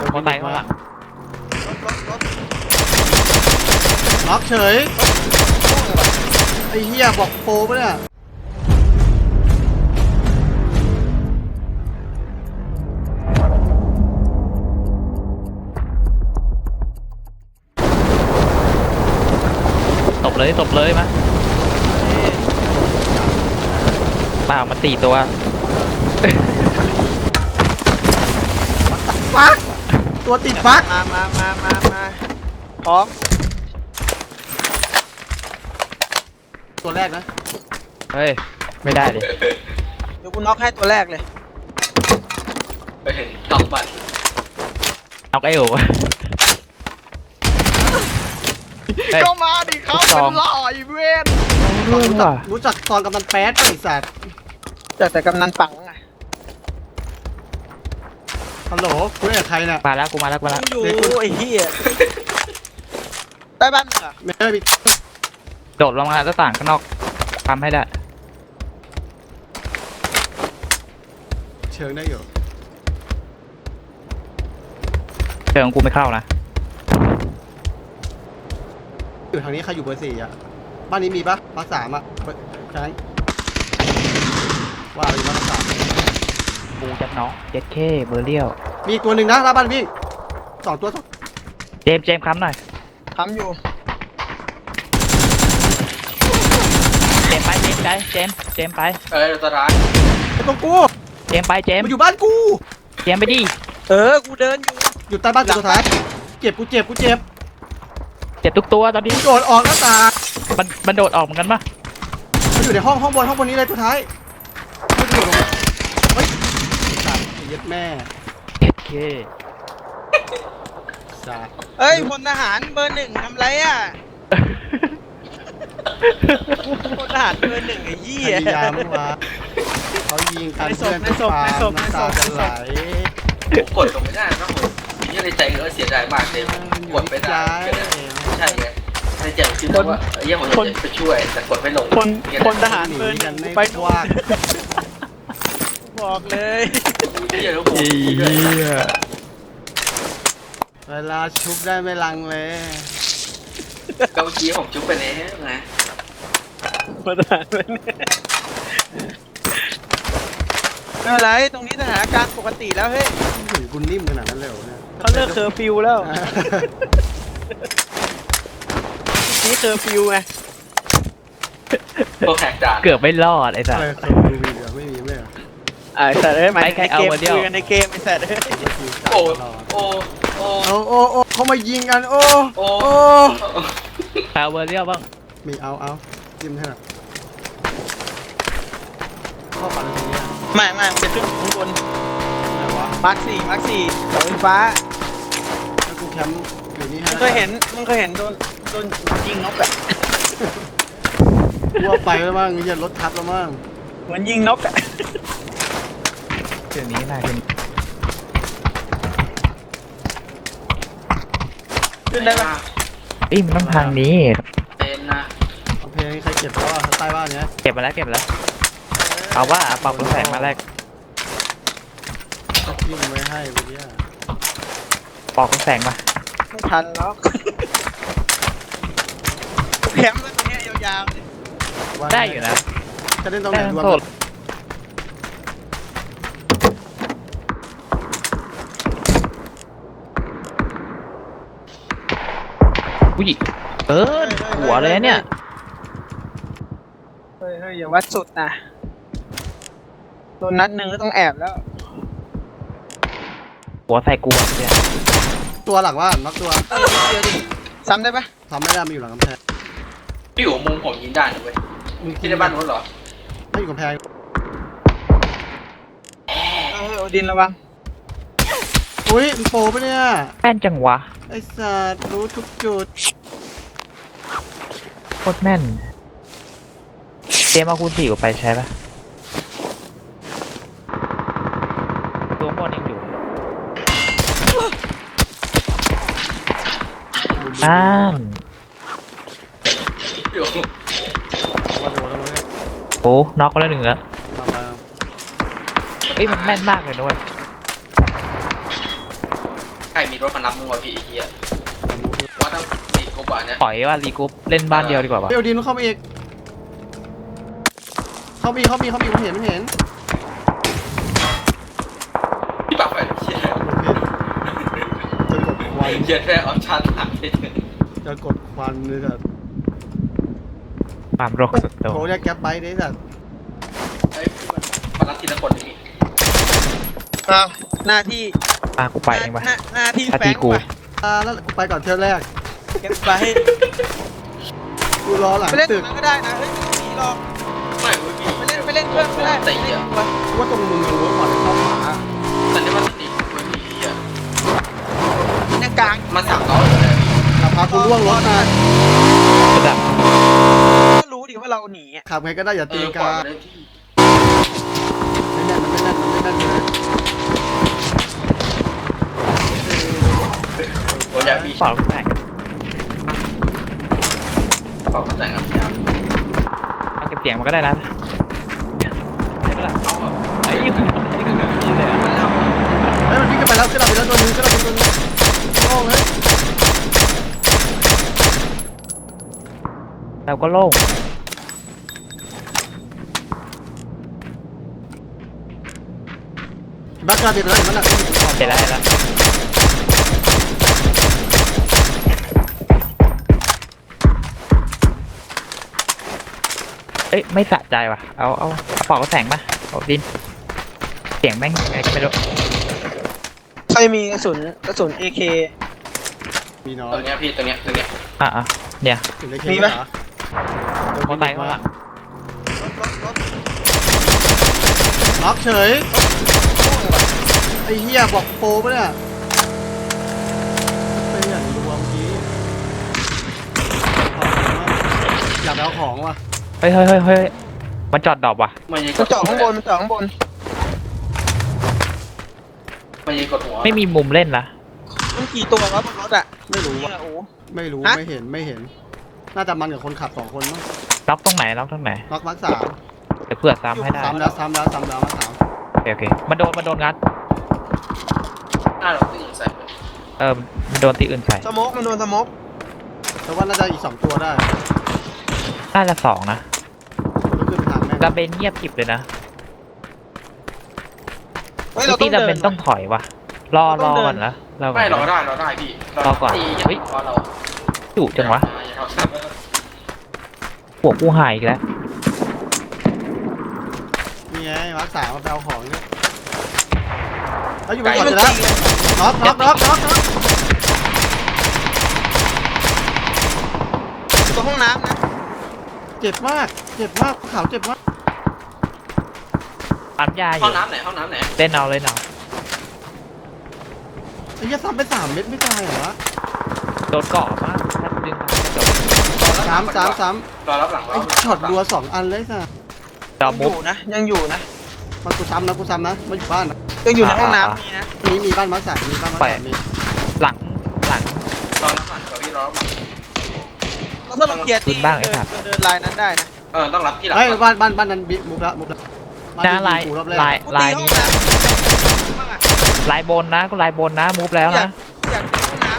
มอไซค์ข้างหลังรถล็อกเฉยไอ้เหี้ยบอกโปรปะเนี่ยตบเลยมาเปล่ามัน4 ตัวฟักตัวติดฟักมาพร้อมตัวแรกนะเฮ้ยไม่ได้ดิเดี๋ยวกูน็อกให้ตัวแรกเลยไปเห็นตอกบัตรเอาไอ้โอ๋เฮ้ยก็มาดิเขาลูกซเป็องนหล่ออีเวนรู้จักตอนกำนันแป๊ดป่ะไอ้สัตว์แต่กำนันปังไงฮัลโหลคุยกับใครเนี่ยมาแล้วกูมาแล้วอยู่ไอ้เหี้ยใต้บ้านมึงเหรอไม่ได้มีโดดลงมาหน้าต่างข้างนอกทำให้ได้เชิงได้อยู่เชิงกูไม่เข้านะอยู่ทางนี้ใครอยู่เบอร์ 4อ่ะบ้านนี้มีปะบ้าน3อ่ะใช่ว่าอยู่บ้าน3 กูจับน้องเจ็ดเคเบอร์เลี้ยวมีอีกตัวหนึ่งนะหน้าบ้านวิ่ง2 ตัวเจมส์ค้ำหน่อยทำอยู่เจมส์ไปเจมส์ไปตัวร้ายไอ้ตรงกูเจมส์ไปเจมส์มันอยู่บ้านกูเจมส์ไปดิกูเดินอยู่อยู่ใต้บ้านตัวท้ายเจ็บกูเจ็บเจ็บทุกตัวตอนนี้กูโดดออกหน้าต่างมันโดดออกเหมือนกันปะมันอยู่ในห้องบนนี้เลยตัวท้ายไม่โดดลงมาเฮ้ยสัตว์ไอ้เหี้ย็ดแม่เจ็ดเคสัตว์เอ้ยพลทหารเบอร์ 1ทำไรอ่ะพลทหารเบอร์ 1ไอ้เหี้พยยายามวะเขายิงกันในศเพื่พอนในศพฟาในศพน้ำตาจะไหลผมกดลงไม่ได้นะผมยังในใจก็เสียดายมากเลยกดไม่ได้ใช่ไงในใจคือว่ายังผมจะไปช่วยแต่กดไม่ลงพลทหารหนีเบอร์กัน 1 ไม่ไปกว้างบอกเลยเหี้ยแล้วผมเวลาชุบได้ไม่ลังเลยเกาชี้ผมจุ๊บไปแล้วไงพลทหารเบอร์ 1ไม่เป็นไรตรงนี้สถานการณ์ปกติแล้วเฮ้ยถึงคุณนิ่มขนาดนั้นเลยเหรอเนี่ยเขาเลิกเคอร์ฟิวแล้วนี่เคอร์ฟิวไงตัวแหกด่านเกือบไม่รอดไอ้สัสอะไรเคยดูวีเหรอไม่มีไม่เหรอไอ้สัตว์เอ้ยหมายไปถึงใครในเอาเกมมาเดียวคุยกันในเกมไอ้สัตว์เอ้ยโอ้โอ้โอ้โอ้เขามายิงกันโอ้โอ้โอ้แพลเบอร์เลี้ยวบ้างมีเอาจิ้มให้หน่อยเข้าฝันตรงนี้ไม่มันจะขึ้นข้างบนไหนวะมาร์คสี่เสาไฟฟ้าถ้ากูแคมป์อยู่นี่ฮะมึงเคยเห็นโดนยิงนกอะกลัวไปแล้วมั้งอย่ารถทับแล้วมั้งเหมือนยิงนกอะเดี๋ยวนี้มาเป็นขึ้นได้ปะมันต้องทางนี้เป็นนะเอาเพลงใครเก็บแล้วอ่ะใต้บ้านเนี้ยเก็บมาแล้วเอาว่าปรับกระแสมาแรกทิ้งไว้ให้เมื่อกี้อะปอกกระแสมาไม่ทันหรอกแคมป์แล้วตรงเนี้ยยาวๆเลยได้อยู่นะจะเล่นตรงไหนได้รวมโทษอุ้ยหัวเลยเนี่ยเฮ้ยอย่าวัดสุดนะโดนนัดหนึ่งก็ต้องแอบแล้วหัวใส่กูอะเนี่ยตัวหลังว่าน็อกตัวเดี๋ยวดิซ้ำได้ปะทำไม่ได้มันอยู่หลังกำแพงพี่อยู่มุมผมยิงได้นะเว้ยมึงที่ในบ้านนู้นเหรอไม่อยู่กำแพงโอดินระวังอุ้ยมันโปรปะเนี่ยแป้นจังวะไอ้สัตว์รู้ทุกจุดโคตรแม่นเจมเอาคูณ4ไปใช้ปะตัวบอลยังอยู่อยู่มาโดนแล้วมั้งเนี่ยโอ้น็อกไปแล้ว1แล้วมามันแม่นมากเลยด้วยใครรมีรถมารับมึงวะพี่ไอ้เหี้ยว่าต้องตีกูบ่าเนี่ยถอยว่ารีกรุ๊ปเล่นบ้านเดียวดีกว่าปะเดี๋ยวดินเข้ามาอีกผมเห็นพี่ปากไฟเหี้ยจะกดควันเหี้ยแค่ออปชั่นหลักเลยจะกดควันเลยสัตว์ความโรคสุดโต่งโทรเรียกแก๊ปไบค์ได้สัตว์เฮ้ยมารับทีละคนนี่เอาหน้าที่กูไปเองปะหน้าที่หน้าแฟที่งกูว่ะแล้วกูไปก่อนเที่ยวแรกเก็บไปกูรอหลังไปเล่นตรตึงกนั้นก็ได้นะเฮ้ยไม่ต้องหนีหรอกไม่เว้ยพี่ไปเล่นเพื่อนก็ได้ตีอ่ะว่าตรงมึงรู้ว่าก่อนเข้าหาแต่นี่มันตีเว้ยพี่อ่ะในกลางมัน300เลยขับพากูล่วงรถนะระดับก็รู้ดิว่าเราหนีอะขับไงก็ได้อย่าตีก่อกานเลยพี่ไม่แน่นมันไม่แน่นเลยโอ้ยพี่เปล่าแตกเป่าแต่งกับพี่เอาเก็บเสียงมันก็ได้นะได้ปะล่ะเอาอ่ะไอ้ยี่ห้อนี่คือแบบนี้เลยอะมันเอาเฮ้ยมันวิ่งกันไปแล้วขึ้นเราไปแล้วตัวนึงโอ้เฮ้ยเราก็โล่งบักกาเด็ดแล้วมันหนักเสร็จแล้วเอ้ยไม่สะใจว่ะเอากระเป๋าแสงมาเอาดินเสียงแม่งไงก็ไม่รู้ใครมีกระสุน AK มีน้อตัวย เนี้ยพี่ตัวเนี้ยอ่ะเนี่ยถึงได้มีปะมอไซค์ข้างหลังรถล็อกเฉยไอ้เหี้ยบอกโปรปะเนี่ยไอ้เหี้ยดูว่าเมื่อกี้อยากเอาของว่ะเฮ้ยมันจอดดรอปว่ะมันยิงมันเจาะข้างบนมันยิงกดหัวไม่มีมุมเล่นนะมันกี่ตัววะบนรถอะไม่รู้นี่ว่ะอะโอ้ไม่รู้ฮะไม่เห็นน่าจะมันกับคนขับ2 คนมั้งล็อกตรงไหนล็อก3 เดี๋ยวเพื่อซ้ำให้ได้ซ้ำแล้วมา3 โอเคมันโดนงัดเราตีใส่มันโดนตีอื่นใส่สโมกมันโดนสโมกแต่ว่าน่าจะอีก2 ตัวได้น่าจะ2นะแล้วขึ้นทางแม่งดาเบนเงียบกริบเลยนะเฮ้ยเราต้ตีองดาเดิเบนนต้องถอยว่ะรอก่อนนะรอก่อไม่นรอได้พี่ตีเราจุจังวะหัวกูหายอีกแล้วนี่ไงมาร์ค3มาไปเอาของเนี่ยแล้วอยู่บไก่นก่อนมันจะแล้วตีเลยน็อกอยู่ตรงห้องน้ำนะเจ็บมากขาวเจ็บมากปั๊มยาอห้อยู่ งน้ำไหนเล่นเอาไอ้เหี้ยซ้ำไป3 เม็ดไม่ตายเหรอวะโดนเกาะมากถ้าดึงมาจะจบ 3 รอรับหลังไอ้ช็อตรัว2 อันเลยสัสจอยังมุอก ยู่นะยังอยู่นะมันกูซ้ำนะมาอยู่บ้านนะยังอยู่ในห้องน้ำมีนะมีบ้านมาร์ค3มีบ้านมาร์ค3มีหลังรอรับหลังพี่รอเราถ้าเราเคลียร์ตีขึ้นบ้างไอ้สัตว์เดินลายนั้นได้นะต้องรับที่หลังเฮ้ยบ้านนั้นบิ๊กมุกละบ้านหน้าที่ลายกูรอบแรกลายกูตีห้อนี้งน้นะำบ้างอะลายบนนะกูลายบนนะมูฟแล้วนะอยากตีห้องน้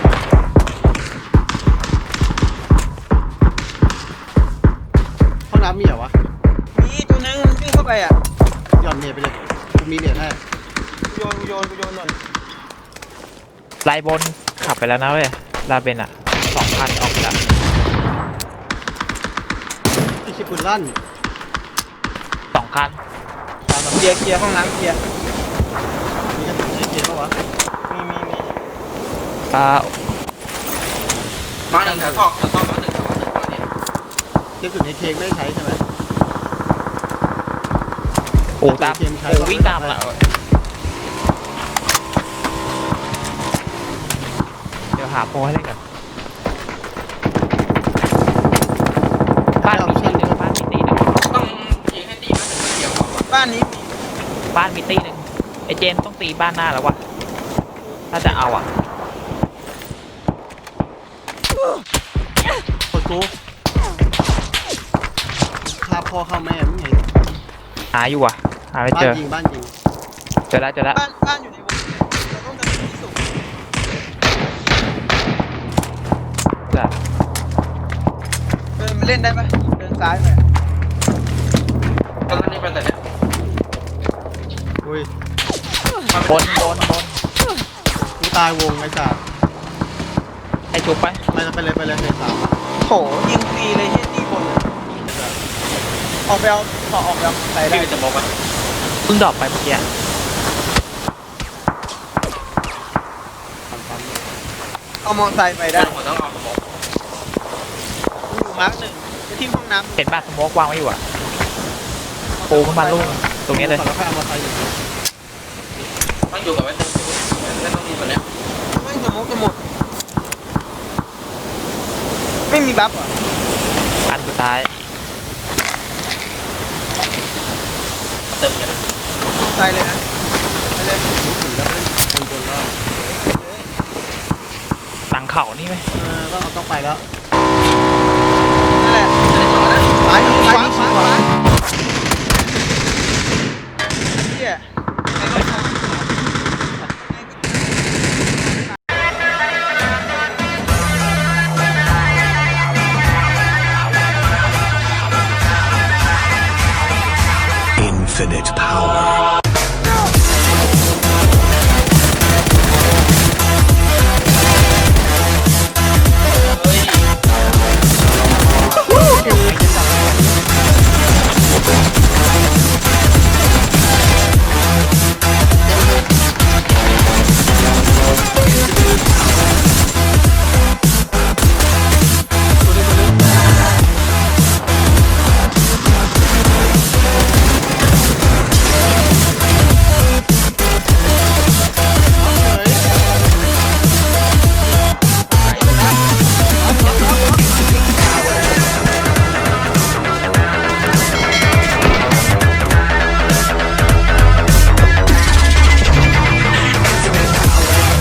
ห้องน้ำมีเหรอวะำมีตัวนึงมันวิ่งเข้าไปอ่ะหย่อนเน็ตไปเลยกูมีเน็ตให้กูโยนหน่อยลายบนขับไปแล้วนะเว้ยลาเบนอ่ะ2,000ออกไปแล้วไอ้ชิบุนลั่น 2 คันเคลียร์ห้องน้ำเคลียร์มีกระสุนไอ้เกียร์ปะวะมีมาหนึ่งแถวทอกมาหนึ่งเนี่ยกระสุนไอ้เค้กไม่ได้ใช้ใช่ไหมโอ้ตามโอ้วิ่งตามละเดี๋ยวหาโปรให้เล่นกันบ้านมีตีหนึ่งต้องยิงให้ตีมาถึงเดียวบ้านนี้มีบ้านมีตีหนึ่งไอเจนต้องตีบ้านหน้าแล้ววะถ้าจะเอาอ่ะกดกูฆ่าพ่อฆ่าแม่มึงไงหาอยู่อ่ะหาไม่บ้าเจนอยิงเจอแล้วบ้านอยู่ในวงเราต้องเดินที่สูงเล่นได้ปะเดินซ้ายไปตอนนี้เป็นแต่เนี่ยอุ้ยบนกูตายวงไอ้สัสให้ชุบไปไปเลยเฟสสามโหยิงฟรีเลยที่ตีบนออกไปเอาต่อออกไปเอาใส่ได้พี่จะบอกว่าเพิ่งดรอปไปเมื่อกี้เอามอไซค์ไปได้ได้ผมต้องเอาสมองอยู่มาร์กหนึ่งไปที่ห้องน้ำเห็นป่ะสโมกวางไว้อยู่อ่ะปูขึ้นมาลูกตรงนี้เลยก่อนแล้วค่อยเอามาใส่อยู่ต้องอยู่กับไว้ไม่ต้องมีตัวเนี้ยไม่สมองจะหมด ไม่มีบัฟเหรออันสุดท้ายเติมกันใส่เลยนะไปเลยบนแล้วหลังเข่านี่ไหมต้องไปแล้วนั่นแหละจะได้จอดนะซ้ายขวา